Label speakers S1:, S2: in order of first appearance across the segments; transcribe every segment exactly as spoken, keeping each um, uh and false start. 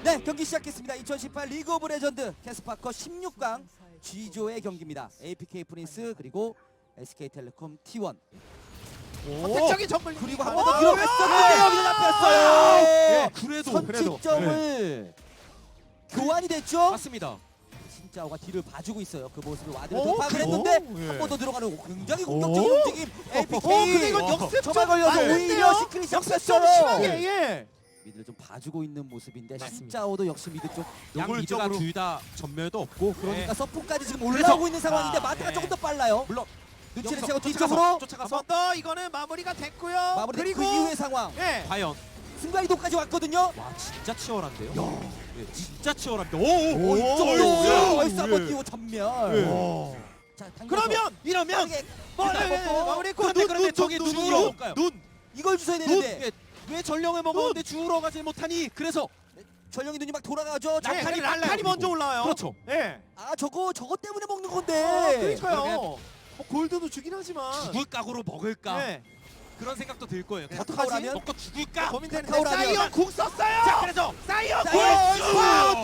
S1: 네, 경기 시작했습니다. 이천십팔 리그 오브 레전드 캐스파커 십육 강 G조의 경기입니다. 에이피케이 프린스 그리고 에스케이텔레콤 티 원.
S2: 선택적인 정글
S1: 그리고 한 번 더 들어갔었는데 여기서 잡혔어요.
S2: 예, 그래도 그래도
S1: 선취점을 교환이 됐죠.
S2: 맞습니다.
S1: 신짜오가 뒤를 봐주고 있어요. 그 모습을 와드를
S2: 오,
S1: 돌파를
S2: 그래요?
S1: 했는데
S2: 예.
S1: 한 번 더 들어가는 굉장히 공격적인
S2: 오.
S1: 움직임. 에이피케이.
S2: 어, 근데 이건 역습
S1: 저만
S2: 좀
S1: 걸려서
S2: 안
S1: 오히려
S2: 됐네요.
S1: 시크릿이
S2: 역습 좀
S1: 잡혔어요.
S2: 심하게 예.
S1: 미드를 좀 봐주고 있는 모습인데
S2: 맞습니다.
S1: 신짜오도 역시 미드 쪽.
S3: 양 미드가 둘 다 전멸도 없고
S1: 그러니까
S2: 네.
S1: 서포까지 지금 올라오고 있는 상황인데
S2: 아,
S1: 마트가
S2: 네.
S1: 조금 더 빨라요.
S3: 물론
S1: 눈치를
S3: 여기서
S1: 채고
S3: 쫓아가서,
S1: 뒤쪽으로
S3: 쫓아가서
S2: 한 번 더 이거는 마무리가 됐고요.
S1: 마무리.
S2: 그리고
S1: 그 이후의 상황.
S2: 예.
S3: 과연
S1: 순간이동까지 왔거든요.
S3: 와 진짜 치열한데요. 예, 진짜 치열합니다.
S1: 오,
S3: 오오
S1: 이쪽도
S2: 오,
S1: 얼싸
S2: 예.
S1: 버티고 전멸.
S2: 오.
S1: 자, 당겨서
S2: 그러면 이러면
S1: 빠르게
S2: 뭐,
S1: 일단
S2: 예, 예,
S1: 먹고
S2: 마무리했고
S3: 그런데
S2: 눈,
S3: 그런데
S2: 눈,
S3: 저기
S2: 눈,
S3: 눈으로
S2: 눈으로
S3: 볼까요?
S2: 눈
S1: 이걸 주셔야
S3: 눈!
S1: 되는데
S3: 예, 왜 전령을 먹었는데 주우러 가지 못하니? 그래서
S1: 전령이 눈이 막 돌아가죠. 자,
S2: 예,
S1: 칼이
S2: 칼이 칼이 먼저 올라와요.
S3: 그렇죠.
S2: 예.
S1: 아 저거 저거 때문에 먹는
S2: 아,
S1: 건데.
S2: 그러니까요. 뭐 골드도 주긴 하지만.
S3: 죽을 각오로 먹을까?
S2: 예.
S3: 그런 생각도 들 거예요. 그냥
S1: 카카오라면?
S3: 먹고 죽을까?
S2: 고민되는데
S1: 카카오라면-
S2: 사이언 궁 썼어요.
S3: 자 그래서
S2: 사이언
S1: 자,
S2: 궁.
S1: 얼쑤!
S2: 와우.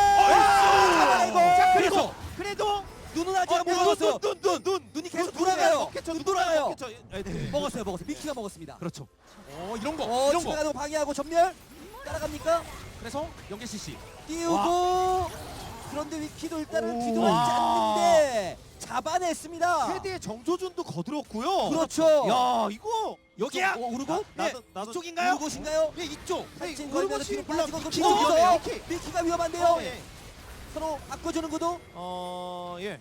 S1: 뛴다!
S2: 얼쑤!
S1: 아이고.
S2: 자
S3: 그래서
S2: 그래도
S1: 눈은 아직 안
S2: 눈,
S1: 먹었어요.
S2: 눈, 눈, 눈, 눈.
S1: 눈이 계속
S2: 눈,
S1: 돌아가요.
S2: 먹겠죠.
S1: 눈 돌아가요.
S2: 먹겠죠. 예, 네.
S1: 먹었어요, 먹었어요. 미키가 먹었습니다.
S3: 그렇죠. 어 이런 거
S1: 어,
S3: 이런 거.
S1: 추가가도 방해하고 전멸 따라갑니까?
S3: 그래서 연계 씨씨
S1: 띄우고 그런데 위키도 일단은
S2: 오.
S1: 뒤돌아지지
S2: 와.
S1: 않는데 잡아냈습니다.
S2: 헤드의 정조준도 거들었고요.
S1: 그렇죠.
S2: 야 이거
S3: 여기야.
S1: 어, 우르고?
S2: 나- 나도 나도
S3: 이쪽인가요?
S1: 우르고신가요?
S3: 예 이쪽.
S2: 아니,
S1: 진
S2: 우르고
S1: 걸면서 뒤로
S2: 씨는
S1: 빠지고
S2: 물론
S1: 그럼
S2: 미키도
S1: 뒤로
S2: 위험해요,
S1: 가서
S2: 미키.
S1: 미키가 위험한데요.
S2: 어, 예.
S1: 서로 바꿔주는 구도.
S2: 어 예.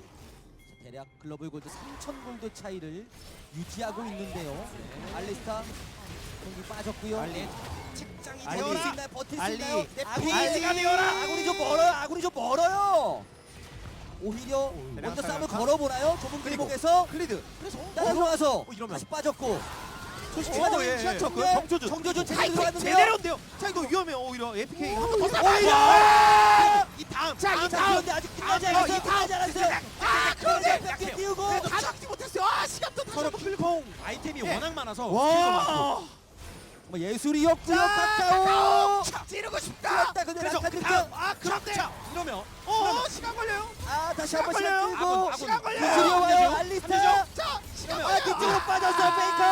S1: 대략 글로벌 골드 삼천 골드 차이를 유지하고 있는데요. 알리스타 경기 빠졌고요.
S3: 알리 책장이
S2: 알리.
S1: 버틸 수
S3: 되어라.
S1: 있나요? 버틸 수
S2: 알리.
S1: 있나요? 내
S2: 알리.
S1: 피.
S2: 알리가 되어라.
S1: 아군이 좀 멀어요. 아군이 좀 멀어요. 오히려
S2: 대략
S1: 먼저 싸움을
S2: 사격파.
S1: 걸어보나요? 좁은
S2: 그리고.
S1: 길목에서
S2: 클리드.
S1: 따라 들어가서
S3: 어, 이러면.
S1: 다시 빠졌고
S2: 소식적인
S1: 어,
S2: 예,
S1: 시간
S2: 예.
S1: 정렬.
S2: 그 정조준.
S1: 정조준 제대로
S2: 타이틀
S1: 들어갔는데요.
S2: 제대로인데요. 자 이거 위험해요. 오히려 에이피케이 한 번 더
S1: 오히려.
S2: 쏴.
S3: 이 다음.
S2: 자,
S3: 다음,
S2: 이
S1: 자,
S2: 다음.
S1: 그런데 아직 끝나지
S2: 아,
S1: 않았어요.
S2: 이 다음.
S1: 끝나지 않았어요.
S2: 아 그런데
S1: 뺏겨 띄우고
S2: 그래도 다 잡지 못했어요. 아 시간도 다
S3: 서로
S2: 잡고.
S3: 풀공 아이템이
S2: 예.
S3: 워낙 많아서 스킬도 많고.
S2: 와.
S1: 뭐 예술이었고요.
S2: 자,
S1: 카카오.
S2: 카카오. 찌르고 싶다.
S1: 그렇다. 근데
S3: 그래서
S1: 낙하
S3: 그
S1: 등장.
S3: 다음.
S2: 아 그런데.
S3: 자 이러면
S2: 어 시간 걸려요.
S1: 아 다시
S2: 시간
S1: 한번
S2: 걸려요.
S1: 시간 끌고
S3: 아군,
S2: 시간 걸려요.
S1: 예술이 와요.
S3: 안
S1: 알리스타.
S2: 자 시간
S1: 아
S2: 걸려요.
S1: 뒤쪽으로 빠졌어요. 페이커.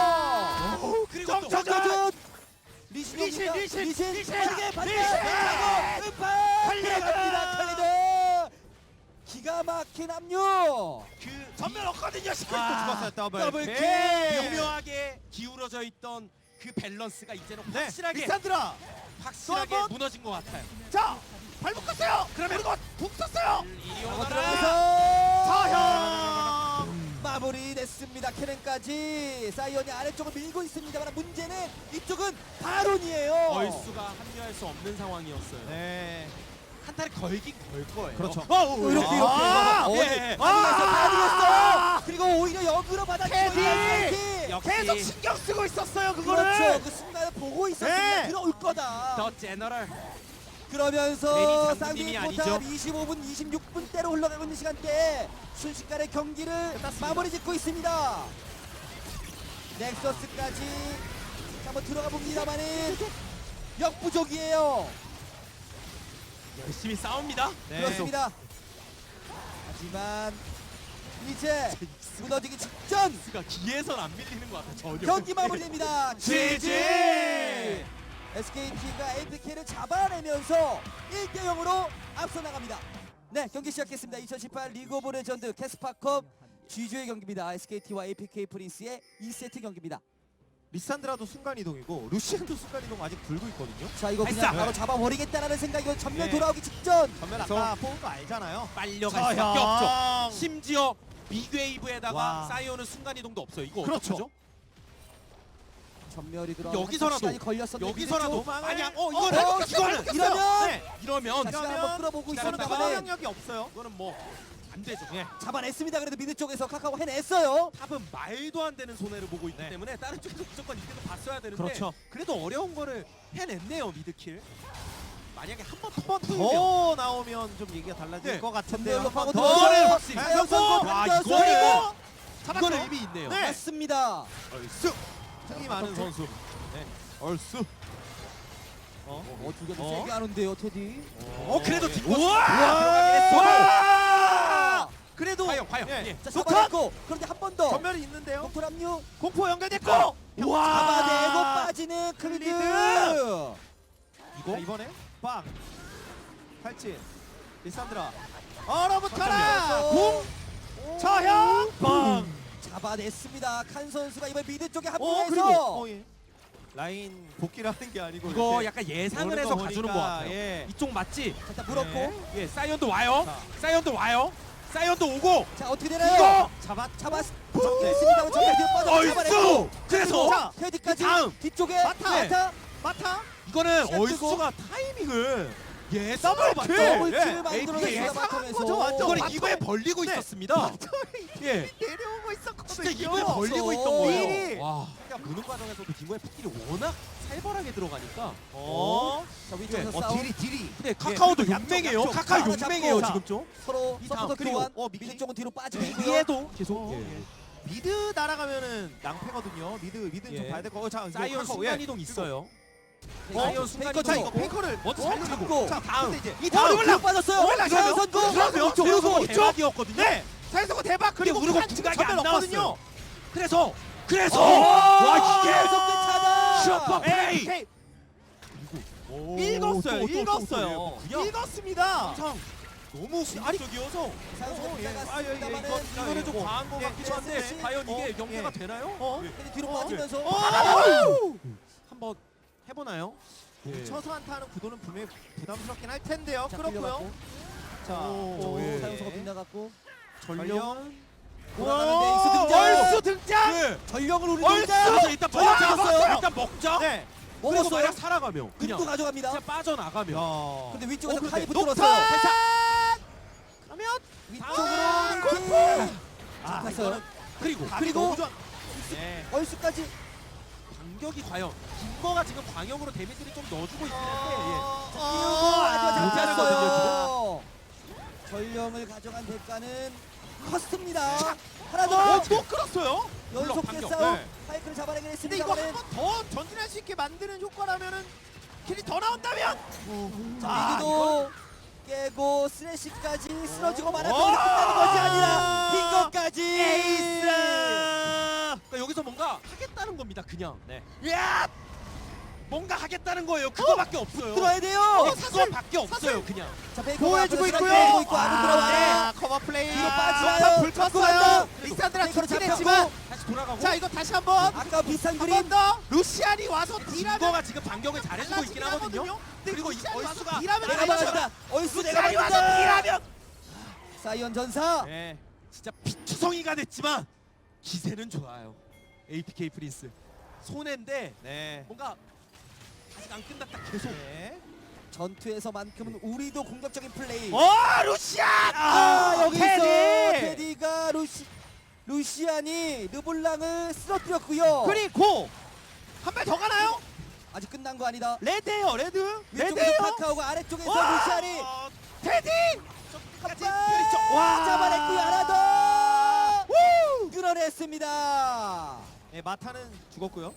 S3: 어, 그리고 또
S1: 정조준. 리신
S2: 리신,
S1: 옵니까?
S2: 리신,
S1: 리신
S2: 리신,
S1: 빠르게 반대.
S2: 리신.
S1: 하고 음파.
S2: 칼리드.
S1: 들어갑니다. 칼리드. 기가 막힌 압류.
S3: 그
S2: 전면 없거든요. 시간
S3: 아,
S2: 또 죽었어요. 더블.
S3: 더블
S2: 킬.
S3: 킬. 묘묘하게 기울어져 있던 그 밸런스가 이제는
S2: 네.
S3: 확실하게
S2: 리산드라.
S3: 확실하게
S2: 또 한 번.
S3: 무너진 것 같아요.
S2: 자 발목 껐어요.
S3: 그러면-
S2: 그리고 북 썼어요.
S3: 이리
S1: 하고
S3: 오너라.
S1: 들어가서
S2: 서형.
S1: 마무리됐습니다. 캐넨까지 사이언이 아래쪽을 밀고 있습니다만 문제는 이쪽은 바론이에요.
S3: 얼수가 합류할 수 없는 상황이었어요.
S2: 네.
S3: 한타를 걸긴 걸 거예요.
S2: 그렇죠.
S3: 어, 어, 어,
S1: 이렇게
S3: 어.
S1: 이렇게
S2: 아,
S1: 어디
S3: 예.
S1: 다
S2: 아!
S1: 이겼어. 그리고 오히려 역으로 받아치고
S2: 캐디!
S1: 있는
S3: 역시
S2: 계속 신경 쓰고 있었어요. 그거를.
S1: 그렇죠. 그 순간을 보고 있었으면
S2: 네.
S1: 들어올 거다.
S3: 더 제너럴.
S1: 그러면서
S3: 괜히
S1: 쌍둥이
S3: 장군님이
S1: 포탑
S3: 아니죠.
S1: 이십오 분 이십육 분대로 흘러가고 있는 시간대에 순식간에 경기를
S3: 끝났습니다.
S1: 마무리 짓고 있습니다. 넥서스까지 한번 들어가 봅니다만은 역부족이에요.
S3: 열심히 싸웁니다.
S2: 네.
S1: 그렇습니다. 하지만 이제 무너지기 직전
S3: 스가 기에선 안 밀리는 것 같아. 전혀.
S1: 경기 마무리됩니다.
S3: 지지!
S1: 에스케이티가 에이피케이를 잡아내면서 일 대 영으로 앞서 나갑니다. 네, 경기 시작했습니다. 이천십팔 리그 오브 레전드 캐스파컵 G조의 경기입니다. 에스케이티와 에이피케이 프린스의 이 세트 경기입니다.
S2: 리산드라도 순간 이동이고 루시안도 순간 이동 아직 들고 있거든요.
S1: 자, 이거 그냥
S3: 발사!
S1: 바로 잡아버리겠다라는 생각이고 전면
S2: 네.
S1: 돌아오기 직전.
S2: 전면
S3: 그래서-
S2: 아까 뽑은 거 알잖아요.
S3: 빨려갈 수밖에 없죠. 심지어 빅웨이브에다가
S2: 와.
S3: 사이오는 순간 이동도 없어요. 이거
S2: 그렇죠.
S3: 어떡하죠?
S1: 전멸이 들어.
S3: 여기서라도,
S1: 시간이 걸렸었는데
S3: 여기서라도
S2: 도망을-
S3: 아니야. 어
S2: 어,
S3: 이거는
S2: 어,
S3: 이거는
S2: 꼈어요.
S1: 이러면-
S2: 네.
S3: 이러면
S1: 자, 시간
S2: 이러면
S1: 한번 끌어보고
S3: 기다렸다가
S1: 있었는데
S2: 영향력이 없어요.
S3: 이거는 뭐 안 되죠. 예.
S1: 잡아냈습니다. 그래도 미드 쪽에서 카카오 해냈어요.
S3: 탑은 말도 안 되는 손해를 보고 있기
S2: 네.
S3: 때문에 다른 쪽에서 무조건 이득을 봤어야 되는데
S2: 그렇죠.
S3: 그래도 어려운 거를 해냈네요. 미드킬. 만약에 한 번
S2: 한
S3: 더
S2: 번 더 나오면 좀 얘기가 달라질
S3: 네.
S2: 것 같은데
S1: 전멸로
S2: 한 번
S1: 파고
S2: 더.
S1: 들어가요.
S3: 이거는 확실히
S2: 자,
S1: 사이언 선수
S2: 와,
S1: 던져서
S3: 이거는
S2: 잡았죠.
S3: 이거는 의미 있네요.
S2: 네.
S1: 맞습니다.
S3: 얼쑤.
S2: 승리 많은 선수.
S3: 얼쑤.
S2: 어?
S1: 어, 두 개도
S2: 어?
S1: 세게 하는데요, 테디.
S3: 어 그래도
S2: 예.
S3: 뒷골.
S2: 우와!
S3: 와!
S2: 그래도
S3: 과연 과연.
S2: 예.
S3: 예.
S1: 자,
S2: 녹턴!
S1: 잡아냈고 그런데 한 번 더.
S2: 전멸이 있는데요.
S1: 공포 합류.
S2: 공포 연결됐고.
S3: 와!
S1: 잡아내고 빠지는 클리드.
S2: 클리드!
S3: 이거
S2: 자, 이번에 빵. 탈진. 리산드라. 얼어붙어라.
S1: 잠깐만요.
S2: 공. 저형. 빵.
S1: 잡아냈습니다. 칸 선수가 이번 미드 쪽에
S2: 어 그리고
S1: 합류해서
S2: 어, 예. 라인 복귀를 하는 게 아니고
S3: 이거
S2: 이렇게
S3: 약간 예상을
S2: 오는
S3: 해서
S2: 거
S3: 가주는 것
S2: 보니까,
S3: 같아요.
S2: 예.
S3: 이쪽 맞지?
S1: 일단 물었고
S2: 네.
S3: 예, 사이언도 와요.
S2: 자.
S3: 사이언도 와요. 사이언도 오고.
S1: 자 어떻게 되나요?
S3: 이거
S2: 잡았.
S1: 잡았 잡았습니다. 정말 뒤로 빠져
S3: 얼쑤!
S1: 잡아냈고
S3: 그래서
S2: 자,
S1: 테디까지
S3: 다음.
S1: 뒤쪽에
S2: 마타.
S1: 마타
S2: 마타.
S3: 이거는
S1: 시간 끄고.
S3: 얼쑤가 타이밍을 예상을
S2: 더블
S3: 봤죠.
S2: 킬!
S1: 더블킬을
S2: 예.
S1: 만들어냈습니다.
S2: 예상한
S1: 마타에서.
S2: 거죠, 완전.
S3: 이거를
S2: 마타에-
S3: 입에 벌리고
S2: 네.
S3: 있었습니다. 예.
S2: 내려오고 있었거든요.
S3: 진짜 입에 벌리고
S1: 그렇죠.
S3: 있던 거예요.
S2: 미리.
S3: 와. 그러니까 무는 과정에서도 딩고의 패킬이 워낙 살벌하게 들어가니까.
S2: 어.
S1: 자 위쪽에서
S3: 예.
S1: 싸움
S2: 딜이 딜이.
S3: 근데 카카오도
S2: 그리고 양쪽,
S3: 용맹해요.
S2: 양쪽.
S3: 카카오
S1: 하나
S3: 용맹해요
S1: 잡고.
S3: 지금 좀.
S1: 서로
S3: 이 다음.
S1: 서포터
S3: 그리고
S1: 교환.
S2: 어, 미키.
S1: 미드 쪽은 뒤로 빠지고 있고요.
S3: 위에도 계속.
S2: 어,
S3: 예.
S2: 예. 미드 날아가면은 낭패거든요. 미드 미드 좀
S3: 예.
S2: 봐야 될 거. 어, 자, 이거
S3: 사이언
S2: 카카오,
S3: 순간
S2: 예.
S3: 이동 있어요.
S1: 어?
S3: 사이언 순간
S1: 페이커
S2: 자
S3: 이동
S2: 이거
S3: 있고.
S2: 페이커를
S3: 먼저
S1: 어?
S3: 잘
S1: 잡고.
S3: 누르고.
S2: 자 다음 이제
S3: 이
S2: 어,
S3: 다음
S2: 올라
S1: 빠졌어요.
S2: 올라가요.
S1: 자연 선수.
S3: 그러면
S2: 쪽,
S3: 그리고
S2: 쪽.
S3: 대박이었거든요.
S2: 네. 자연스럽고 대박 그리고
S3: 우르고
S2: 칸 지금
S3: 궁각이 안
S2: 전멸 없거든요.
S3: 나왔어요. 그래서 그래서
S1: 어!
S3: 와 이게
S1: 속도 차다.
S3: 슈퍼
S2: 에이,
S3: 플레이.
S2: 에이. 읽었어요. 읽었어요.
S3: 그냥
S2: 읽었습니다.
S3: 항상 너무 공격적이어서
S1: 자연 선수
S2: 어, 예.
S1: 나갔습니다만은
S2: 아, 예, 예, 이거-
S3: 이거는 좀
S2: 어,
S3: 과한 것
S2: 예,
S3: 같기도 한데
S1: 예,
S3: 과연
S2: 어,
S3: 이게 연계가
S2: 예.
S3: 되나요?
S2: 어?
S1: 근데 뒤로
S2: 어,
S1: 빠지면서
S2: 어!
S3: 한번 해보나요? 예.
S2: 쳐서 한타하는 구도는 분명히 부담스럽긴 할 텐데요.
S1: 자,
S2: 그렇고요.
S1: 끌려갔고.
S2: 자,
S3: 오,
S1: 오,
S3: 예.
S1: 사용소가 빗나갔고
S3: 전령.
S1: 돌아가는 데이스 등장.
S2: 얼쑤 등장.
S3: 네.
S1: 전력을 우리
S2: 얼쑤!
S1: 등장.
S3: 그래서 일단
S1: 전력
S3: 먹자.
S1: 먹었어요.
S3: 일단 먹자.
S2: 네.
S3: 그리고
S1: 먹었어요.
S3: 만약 살아가면 그냥
S1: 또 가져갑니다.
S3: 그냥 빠져나가면.
S2: 야.
S1: 근데 위쪽에서
S2: 어, 근데
S1: 카이
S2: 녹턴!
S1: 붙들었어요.
S3: 그러면
S1: 위쪽으로
S3: 아,
S1: 링크.
S2: 아,
S1: 갔어요.
S2: 이거는
S3: 그리고
S2: 각이
S1: 그리고
S2: 너무 좋아. 네.
S1: 얼쑤까지.
S3: 반격이 과연 김거가 지금 광역으로 데미지를 좀 넣어주고 있긴 한데
S2: 어,
S1: 띄우고
S2: 어,
S1: 아주
S3: 못하는
S1: 잡혔어요. 전령을 가져간 대가는 컸습니다. 하나
S2: 어,
S1: 더.
S2: 또 끌었어요.
S1: 연속
S3: 반격.
S1: 개싸움.
S2: 네.
S1: 파이크를 잡아내긴
S2: 근데 이거
S1: 했습니다만은
S2: 한 번 더 전진할 수 있게 만드는 효과라면은 킬이 더 나온다면.
S1: 자,
S2: 아,
S1: 미드도 깨고 스레시까지 쓰러지고 말았던
S2: 어!
S1: 끝나는 것이 아니라 빈것까지
S2: 에이스.
S3: 그러니까 여기서 뭔가 하겠다는 겁니다. 그냥.
S2: 네.
S3: 야! 뭔가 하겠다는 거예요. 그거밖에 없어요.
S1: 들어야 돼요.
S3: 어, 그거밖에 없어요. 그냥.
S1: 자, 베이커가
S2: 보호해주고
S1: 앞으로
S2: 있고요.
S1: 들어가고 있고 안으로 들어와.
S2: 아, 커버 플레이.
S1: 뒤로 빠지나요?
S2: 좋다, 불
S1: 잡고
S2: 껐어요.
S1: 간다.
S2: 리산드라
S1: 베이커로
S2: 좋긴
S1: 잡혔고.
S2: 했지만.
S3: 다시 돌아가고.
S2: 자, 이거 다시 한번.
S1: 아까 비슷한
S2: 한
S1: 그림.
S2: 번 더. 루시안이 와서 딜하면
S3: 김거가 지금 반격을 잘해주고 있긴 하거든요.
S2: 근데
S3: 그리고 이
S2: 루시안이 와서
S3: 얼쑤가
S2: 딜하면
S1: 내가
S2: 알죠.
S1: 막았다. 얼쑤 내가
S2: 루시안이 와서
S1: 막았다.
S2: 딜하면.
S1: 사이언 전사.
S3: 네. 진짜 피투성이가 됐지만 기세는 좋아요. 에이피케이 프린스. 손해인데
S2: 네.
S3: 뭔가 아직 안 끝났다 계속.
S2: 네.
S1: 전투에서만큼은 우리도 공격적인 플레이.
S2: 어, 루시안!
S1: 아, 여기 있어.
S2: 테디!
S1: 테디가 루시 루시안이 르블랑을 쓰러뜨렸고요.
S2: 그리고 한 발 더 가나요?
S1: 아직 끝난 거 아니다.
S2: 레드예요, 레드.
S1: 위쪽에서
S2: 레드예요.
S1: 카카오가 아래쪽에서
S2: 와!
S1: 루시안이
S3: 어,
S2: 테디!
S3: 끝까지
S1: 와,
S2: 와!
S1: 잡아냈고요. 하나 더.
S2: 우!
S1: 끌어냈습니다.
S2: 네, 마타는 죽었고요.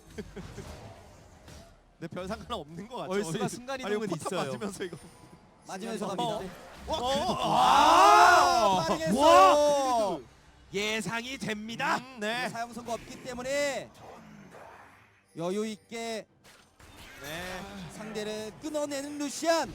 S2: 네, 별 상관 없는 것 같죠.
S3: 얼쑤가
S2: 아니,
S3: 순간이동은
S2: 아니, 포탑
S3: 있어요.
S2: 맞으면서 이거.
S1: 맞으면서
S2: 어.
S1: 갑니다.
S2: 와,
S3: 어.
S2: 그래도
S1: 아,
S3: 와!
S1: 빠르겠어요.
S3: 예상이 됩니다.
S2: 음, 네.
S1: 사용 선고 없기 때문에 여유 있게
S2: 네.
S1: 상대를 끊어내는 루시안.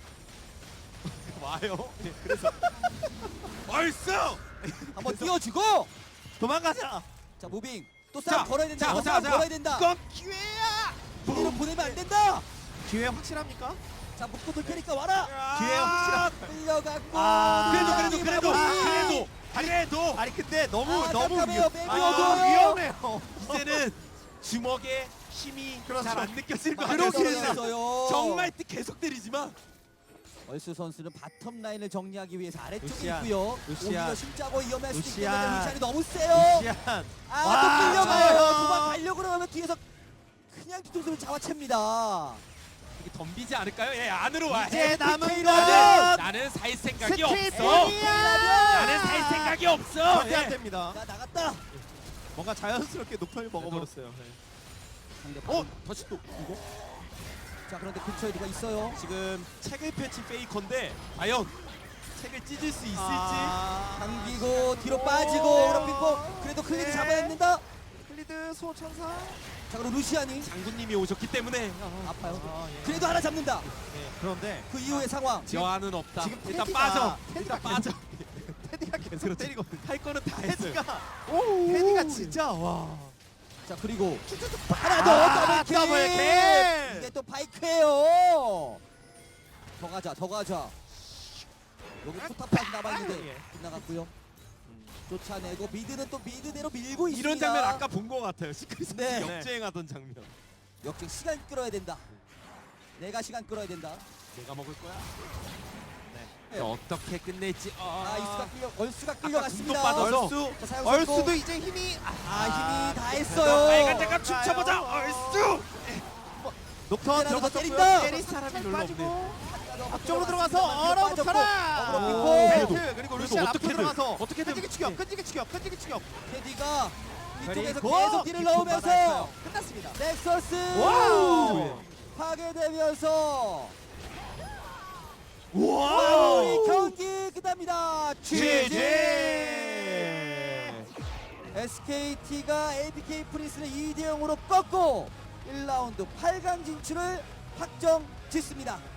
S2: 와요. 네, 그래서
S3: 얼쑤!
S1: 한번 띄워주고.
S2: 도망가자.
S1: 자, 무빙. 또 싸움
S3: 자,
S1: 걸어야 된다.
S3: 자,
S1: 더
S3: 자,
S1: 싸움
S3: 자.
S1: 걸어야 된다.
S3: 이건 기회야.
S1: 뒤로 보내면 안 된다.
S2: 기회 확실합니까?
S1: 자, 묶고 돌 테니까 와라.
S2: 기회 확실한.
S1: 끌려갔고.
S2: 아,
S3: 그래도 그래도 그래도
S1: 마무리.
S3: 그래도 그래도
S2: 아니 근데 너무
S1: 아,
S2: 너무
S1: 깜깜해요.
S2: 위험-
S1: 백이
S2: 아,
S1: 어두워요.
S2: 위험해요.
S3: 이제는 주먹에 힘이
S2: 그렇죠.
S3: 잘 안 느껴질 것
S1: 많이
S3: 같아요.
S1: 떨어졌어요.
S3: 정말 계속 때리지만
S1: 얼쑤 선수는 바텀 라인을 정리하기 위해서 아래쪽에
S2: 루시안,
S1: 있고요.
S2: 루시안,
S1: 오히려 심짜고 위험할 수도 있기
S2: 루시안,
S1: 때문에 루시안이 너무 세요.
S2: 루시안.
S1: 아,
S2: 와,
S1: 또 끌려가요.
S2: 좋아요.
S1: 도망가려고 그러면 뒤에서 그냥 뒤통수를 잡아챕니다.
S3: 이게 덤비지 않을까요? 예, 안으로 와.
S2: 이제 남은
S1: 에피케이는
S2: 거는
S3: 나는 살 생각이
S2: 스티븐이야.
S3: 없어. 나는 살 생각이 없어.
S2: 절대 안
S3: 예.
S2: 됩니다.
S1: 자, 나갔다.
S2: 뭔가 자연스럽게 녹턴이 먹어버렸어요. 네.
S1: 상대
S3: 어, 다시 또 이거?
S1: 자 그런데 근처에 누가 있어요.
S3: 지금 책을 펼친 페이커인데 과연 책을 찢을 수 있을지.
S2: 아,
S1: 당기고 뒤로
S2: 오.
S1: 빠지고 그렇고 그래도 클리드
S2: 네.
S1: 잡아냅니다.
S2: 클리드 소천사.
S1: 자 그럼 루시안이
S3: 장군님이 오셨기 때문에
S1: 아파요.
S2: 아, 예.
S1: 그래도 하나 잡는다.
S2: 예. 그런데
S1: 그 이후의 상황.
S3: 여한은 없다.
S2: 지금
S3: 일단
S2: 테디가-
S3: 빠져.
S2: 테디가
S3: 일단 빠져.
S2: 테디가 계속
S3: 그렇지.
S2: 때리거든.
S3: 할 거는 다 했어요.
S2: 테디가 테디가 진짜 와.
S1: 자 그리고
S2: 쭈쭈쭈
S1: 하나 더
S2: 아,
S1: 더블킬.
S2: 더블킬!
S1: 이게 또 바이크예요. 더 가자 더 가자. 여기 포탑까지 남아있는데
S2: 예.
S1: 빗나갔고요. 쫓아내고 미드는 또 미드대로 밀고 있습니다.
S3: 이런 장면 아까 본 것 같아요. 시크릿
S1: 네.
S3: 역주행하던 장면.
S1: 역시 시간 끌어야 된다. 내가 시간 끌어야 된다.
S3: 내가 먹을 거야.
S1: 네.
S3: 어떻게 끝낼지. 아,
S1: 아 이수가 끌려 얼수가
S3: 아까
S1: 끌려갔습니다.
S3: 궁도 빠져서.
S2: 얼수.
S1: 자, 사용
S2: 얼수도
S1: 성공.
S2: 이제 힘이
S1: 아 힘이 다
S3: 그래도
S1: 했어요.
S3: 빨간 장갑 춤춰보자. 얼쑤.
S2: 녹턴
S1: 때리고
S2: 들어갔었고요.
S1: 때린다.
S2: 때릴
S3: 사람이
S2: 살짝
S3: 별로
S2: 빠지고
S1: 앞쪽으로
S2: 앞쪽으로 들어가서
S1: 빠졌고,
S2: 얼어붙어라.
S1: 어그로
S3: 오,
S1: 픽고.
S3: 그래도,
S2: 벨트 그리고
S3: 그래도
S2: 루시안 앞으로
S3: 어떻게든,
S2: 들어가서
S3: 어떻게든.
S2: 끈질기 추격 끈질기 추격 끈질기 추격.
S1: 테디가 이쪽에서
S2: 그리고
S1: 계속 딜을
S2: 깊은
S1: 넣으면서
S2: 바다에서요. 끝났습니다.
S1: 넥서스
S2: 와우.
S1: 파괴되면서
S2: 와우.
S1: 마무리 경기 끝납니다.
S2: 지지.
S1: 에스케이티가 에이피케이 프린스를 이 대 영으로 꺾고 일 라운드 팔 강 진출을 확정 짓습니다.